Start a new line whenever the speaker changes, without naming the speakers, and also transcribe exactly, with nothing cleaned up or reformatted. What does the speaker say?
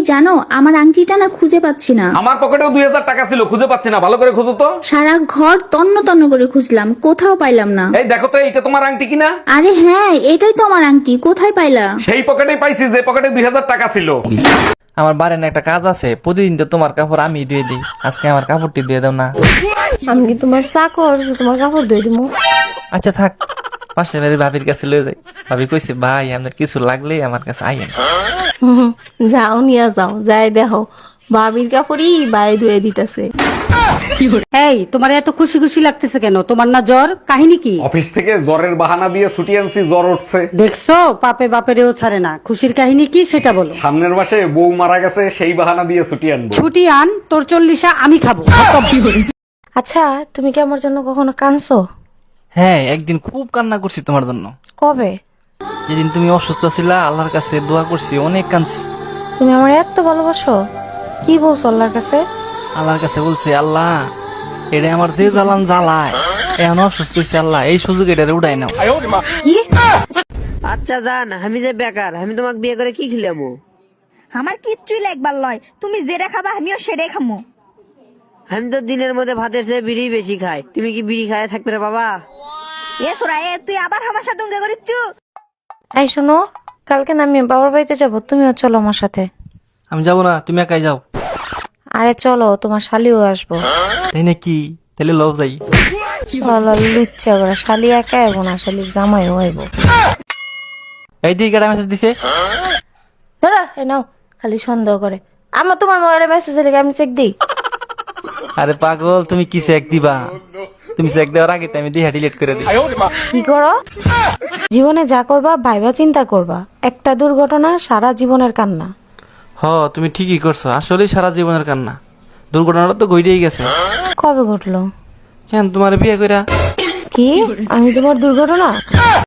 জানো আমার আংটিটা না খুঁজে পাচ্ছি না।
আমার পকেটেও দুই হাজার টাকা ছিল, খুঁজে পাচ্ছি না, ভালো করে খুঁজো তো।
সারা ঘর তন্ন তন্ন করে খুঁজলাম, কোথাও পাইলাম না।
এই দেখো তো, এইটা তোমার আংটি কিনা?
আরে হ্যাঁ, এটাই তো আমার আংটি, কোথায় পাইলা?
সেই পকেটেই পাইছি যে পকেটে দুই হাজার টাকা ছিল।
আমার বাড়ির একটা কাজ আছে, প্রতিদিন তো তোমার কাপড় আমি ধুয়ে দিই, আজকে আমার কাপড়টি দিয়ে দাও না।
আমি কি তোমার চাকর যে তোমার কাপড় ধুয়ে দিব?
আচ্ছা থাক, পাশে বাড়ির ভাবির কাছে লয়ে যাই। ভাবি কইছে ভাই আপনার কিছু লাগলে আমার কাছে আইয়েন।
হুম, যাও নিয়ে যাও, যাই দেখো ভাবির কাপড়ই বাই ধুয়ে দিতেছে।
এই তোমার এত খুশি খুশি লাগতেছে কেন? তোমার না জ্বর? কাহিনী কি?
অফিস থেকে জ্বরের বাহানা দিয়ে ছুটি আনছি, জ্বর উঠছে।
দেখছো পাপে বাপেরেও ছাড়ে না। খুশির কাহিনী কি সেটা বলো।
সামনের মাসে বউ মারা গেছে, সেই বাহানা দিয়ে ছুটি আনবো।
ছুটি আন, তোর চল্লিশা আমি খাবো।
আচ্ছা, তুমি কি আমার জন্য কখনো কাঁদছো?
হ্যাঁ, একদিন খুব কান্না করছি তোমার জন্য।
কবে?
যেদিন তুমি অসুস্থ ছিলা, আল্লাহর কাছে দোয়া করছি, অনেক কাঁদছি।
তুমি আমার এত ভালোবাসো? কি বলছো আল্লাহর কাছে?
আল্লাহর কাছে বলছি, আল্লাহ এটা আমার যে জ্বালান জ্বালায়, এখন অসুস্থ হয়েছে, আল্লাহ এই সুযোগ এটা উঠাই নাও।
কি?
আচ্ছা জান, আমি যে বেকার, আমি তোমাকে বিয়ে করে কি খিলামু?
আমার কিচ্ছুই লাগবার লয়, তুমি যেটা খাবা আমিও সেটাই খামো।
আমি তো দিনের মধ্যে ভাতের চেয়ে বিড়ি বেশি খাই, তুমি কি বিড়ি খায় থাকবে রে বাবা?
এ সোরা, এ তুই আবার আমার সাথে উঙ্গে করিচ্ছু?
এই শোনো, কালকে না আমি বাবার বাড়িতে যাবো, তুমিও চলো আমার সাথে।
আমি যাবো না, তুমি একাই যাও।
আরে চলো, তোমার শালিও আসবো।
তাই নাকি? তাহলে লও যাই।
চলো, লুচ্ছা করে শালি একা আইবো না, শালির জামাইও আইবো।
এই দিকে একটা মেসেজ দিছে।
ধরো, এ নাও, খালি সন্দেহ করে। আমার তোমার মোবাইলে মেসেজ এলে আমি চেক দিই।
আরে পাগল, তুমি কি চেক দিবা? তুমি চেক দেওয়ার আগে তো আমি দিহা ডিলিট করে দিই।
কি করো? জীবনে যা করবা ভাইবা চিন্তা করবা, একটা দুর্ঘটনা সারা জীবনের কান্না।
হ, তুমি ঠিকই করছো, আসলেই সারা জীবনের কান্না। দুর্ঘটনাটা তো ঘটেই গেছে।
কবে ঘটলো?
কেন তোমার বিয়ে কইরা?
কি? আমি তোমার দুর্ঘটনা?